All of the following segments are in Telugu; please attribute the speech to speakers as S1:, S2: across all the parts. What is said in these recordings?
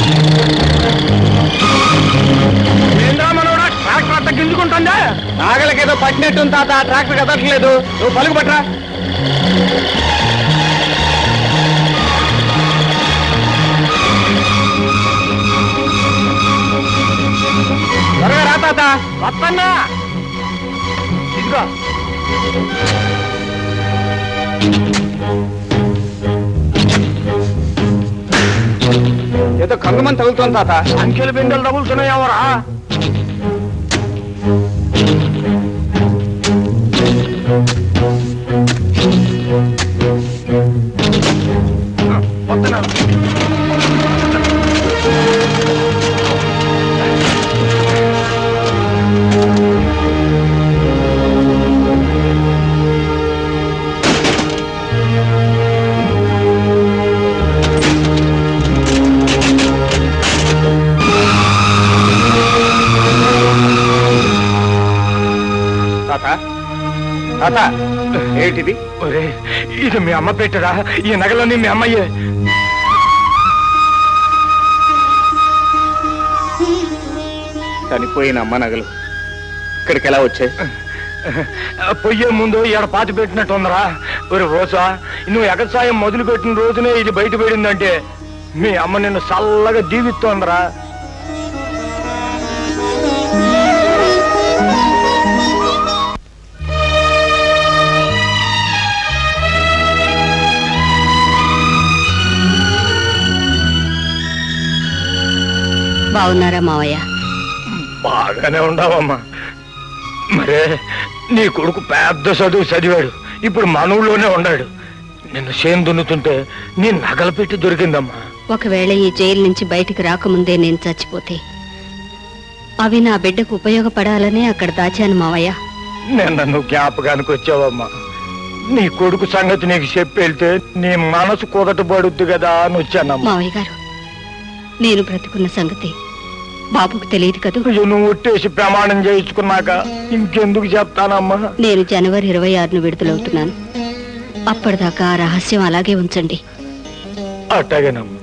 S1: ట్రాక్టర్ అంతా గింజుకుంటుందా? నాగలకేదో పట్టినట్టుంది తాత, ట్రాక్టర్ కదట్లేదు. నువ్వు పలుకు పట్రా. త్వరగా రా తాత. వస్తన్నా. ఇదిగో ఏదో కంగమని తగులుతోంది తాత. అంకెలు బిందెలు తగులుతున్నాయవరా? తాత ఏంటిది? ఇది మీ అమ్మ పెట్టరా? ఈ నగలన్నీ మీ అమ్మయ్యే. చనిపోయిన అమ్మ నగలు ఇక్కడికి ఎలా వచ్చాయి? పొయ్యే ముందు ఇక్కడ పాతి పెట్టినట్టు ఉందరా. ఒరే రోజా, నువ్వు ఎగసాయం మొదలు పెట్టిన రోజునే ఇది బయట పడిందంటే మీ అమ్మ నిన్ను చల్లగా దీవిస్తోందరా.
S2: బాగున్నారా మావయ్య?
S1: బాగానే ఉండవమ్మా. మరే నీ కొడుకు పెద్ద చదువు చదివాడు, ఇప్పుడు మన ఊళ్ళోనే ఉన్నాడు. నిన్ను చేను దున్నుతుంటే నీ నగలు పెట్టి దొరికిందమ్మా.
S2: ఒకవేళ ఈ జైలు నుంచి బయటికి రాకముందే నేను చచ్చిపోతే అవి నా బిడ్డకు ఉపయోగపడాలనే అక్కడ దాచాను మావయ్య.
S1: నిన్న నువ్వు జ్ఞాపకానికి వచ్చావమ్మా. నీ కొడుకు సంగతి నీకు చెప్పి వెళ్తే నీ మనసు కుదటపడుద్ది కదా అని వచ్చానమ్మా.
S2: మావయ్య గారు, నేను బ్రతుకున్న సంగతి బాబుకు తెలియదు కదా.
S1: నువ్వు ఒట్టేసి ప్రమాణం చేయించుకున్నాక ఇంకెందుకు చెప్తానమ్మా.
S2: నేను జనవరి 26ను విడుదలవుతున్నాను. అప్పటిదాకా ఆ రహస్యం అలాగే ఉంచండి.
S1: అట్టాగేనమ్మా,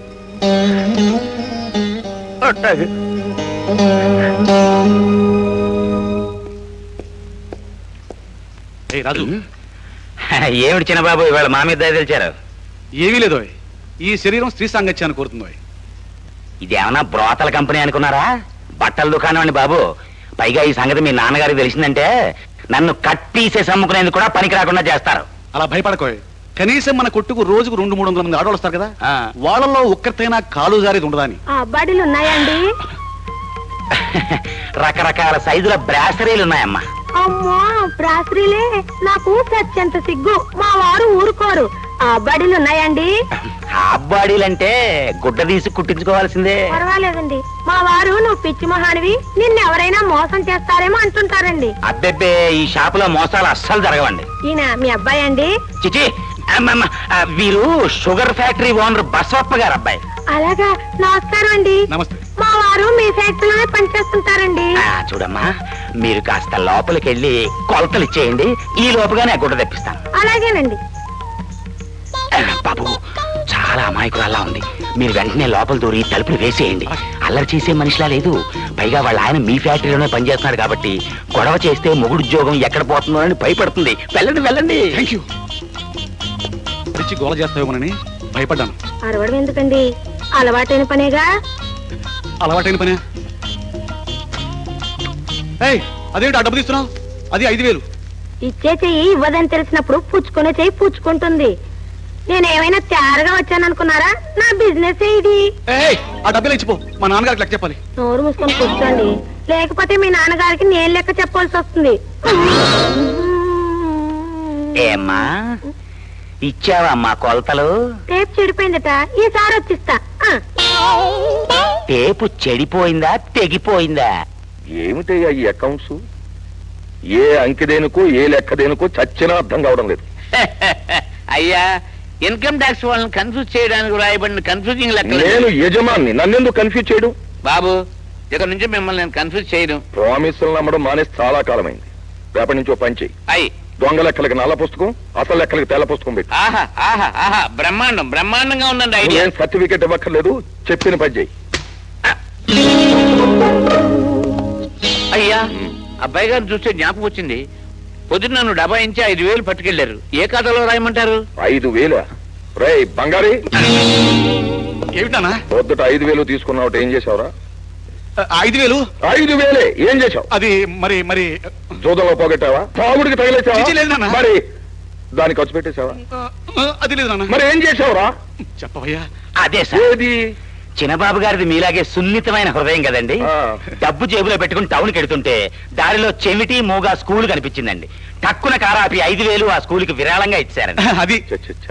S1: అట్టాగే.
S3: రాజు,
S4: ఏమిటి చిన్నబాబు ఇవాళ మా మీద తెలిచారు?
S3: ఏమీ లేదు. ఈ శరీరం స్త్రీ సాంగత్యాన్ని కోరుతుంది.
S4: ఇదేమన్నా బ్రోతల కంపెనీ అనుకున్నారా? బట్టల దుకాణం అండి బాబు. పైగా ఈ సంగతి మీ నాన్నగారికి తెలిసిందంటే నన్ను కట్టీసేసి అమ్ముకునేందుకు కూడా పనికి రాకుండా చేస్తారు.
S3: అలా భయపడకోయ్. కనీసం మన కొట్టుకు రోజుకు 200-300 మంది ఆడవాళ్ళు వస్తారు కదా, వాళ్ళలో ఒక్కరితైనా కాలు జారేది ఉండదా అని.
S2: అబ్బాడీలు ఉన్నాయండి?
S4: రకరకాల సైజుల బ్రాసరీలు ఉన్నాయమ్మా.
S2: అమ్మా, బ్రాసరీలే? నాకు సత్యంత సిగ్గు. మా వారు ఊరుకోరు. అబ్బాడీలు ఉన్నాయండి?
S4: అబ్బాడీలంటే గుడ్డ తీసి కుట్టించుకోవాల్సిందే.
S2: పర్వాలేదండి. మా వారు నువ్వు పిచ్చి మొహానివి, నిన్నెవరైనా మోసం చేస్తారేమో అంటుంటారండి.
S4: అబ్బెబ్బే, ఈ షాపులో మోసాలు అస్సలు జరగవండి.
S2: ఈయన మీ అబ్బాయి అండి?
S4: చిచి, వీరు షుగర్ ఫ్యాక్టరీ ఓనర్ బసవప్ప గారు అబ్బాయి.
S2: అలాగా, నమస్కారం అండి.
S3: నమస్తే.
S2: మా వారు మీ ఫ్యాక్టరీలోనే పనిచేస్తుంటారండి.
S4: చూడమ్మా, మీరు కాస్త లోపలికి వెళ్ళి కొలతలు ఇచ్చేయండి. ఈ లోపుగానే గుడ్డ తెప్పిస్తాను.
S2: అలాగేనండి.
S4: బాబు, చాలా అమాయకురాల్లా ఉంది. మీరు వెంటనే లోపల దూరి తలుపులు వేసేయండి. అల్లరి చేసే మనిషిలా లేదు. పైగా వాళ్ళ ఆయన మీ ఫ్యాక్టరీలోనే పనిచేస్తున్నాడు కాబట్టి గొడవ చేస్తే మొగుడు ఉద్యోగం ఎక్కడ పోతుందో అని భయపడుతుంది. వెళ్ళండి వెళ్ళండి.
S3: తెచ్చి గోల చేస్తావేమోనని భయపడ్డాను.
S2: అరవడం ఎందుకండి? అలవాటైన పనేగా.
S3: అలవాటైన పనే. అదేంటి ఆ డబ్బు తీస్తున్నావు? అది 5,000.
S2: ఇచ్చే చెయ్యి ఇవ్వదని తెలిసినప్పుడు పుచ్చుకునే చెయ్యి పుచ్చుకుంటుంది. నేనేమైనా తయారుగా వచ్చాననుకున్నారా? నా బిజినెస్ ఇది.
S3: ఆ డబ్బులు ఇచ్చిపో, మా నాన్నగారికి లెక్క చెప్పాలి.
S2: నోరు మూసుకొని కూర్చోండి, లేకపోతే మీ నాన్నగారికి నేను లెక్క చెప్పాల్సి వస్తుంది.
S4: ఏమ్మా, ఇచ్చావా మా కొలతలు?
S2: టేప్ చెడిపోయిందట, ఈసారి వచ్చిస్తా.
S4: టేపు చెడిపోయిందా తెగిపోయిందా?
S5: ఏమిటయ్యా ఈ అకౌంట్స్? ఏ అంకె దేనికో ఏ లెక్క దేనికో చచ్చినా అర్థం కావడం లేదు.
S4: అయ్యా, ఇన్కమ్ ట్యాక్స్ వాళ్ళని కన్ఫ్యూజ్ చేయడానికి రాయబడిన కన్ఫ్యూజింగ్ లెక్క.
S5: నేను యజమాన్ని, నన్నెందుకు కన్ఫ్యూజ్ చేయడం?
S4: బాబు, ఇక్కడ నుంచి మిమ్మల్ని నేను కన్ఫ్యూజ్ చేయను.
S5: ప్రామిసులు నమ్మడం మానేసి చాలా కాలమైంది. రేపటి నుంచి ఓ పని చెయ్యి.
S4: అయ్యి
S5: దొంగ లెక్కలకి నల్ల పుస్తకం, అసలు లెక్కలకి తెల్ల పుస్తకం పెట్టి
S4: ఆహా ఆహా ఆహా బ్రహ్మాండం బ్రహ్మాండంగా ఉందండి ఐడియా
S5: ఏం సర్టిఫికెట్ ఇవ్వక్కర్లేదు, చెప్పిన పని చెయ్యి.
S4: అయ్యా అబ్బాయి గారు చూస్తే జ్ఞాపకం వచ్చింది. పొద్దున్న నన్ను డబ్బా ఇంచి 5,000 పట్టుకెళ్లారు. ఏ ఖాతాలో రాయమంటారు?
S5: 5,000? రేయ్ బంగారి,
S3: ఏమిటానా?
S5: పొద్దుట 5,000 తీసుకున్నావు, ఏం చేసావురా?
S3: 5,000?
S5: 5,000 ఏం చేసావు?
S3: అది మరి మరి
S5: జూదంలో పోగొట్టావా? తాగుడికి తగిలేసావా?
S3: చిచి లేదు నాన్న.
S5: మరి దానికి ఖర్చు పెట్టేశావా?
S3: అది లేదు నాన్న.
S5: మరి ఏం చేసావురా?
S3: చెప్పవయ్యా.
S4: అదే సార్,
S5: ఏది?
S4: చిన్నబాబు గారిది మీలాగే సున్నితమైన హృదయం కదండి.
S5: ఆ.
S4: డబ్బు జేబులో పెట్టుకుని టౌన్కి వెడుతుంటే దారిలో చెమిటి మూగా స్కూల్ కనిపించిందండి. టక్కున కారాపి 5,000 ఆ స్కూల్కి విరాళంగా ఇచ్చారండి.
S3: అది
S5: చ్చ, చ్చ, చ్చ.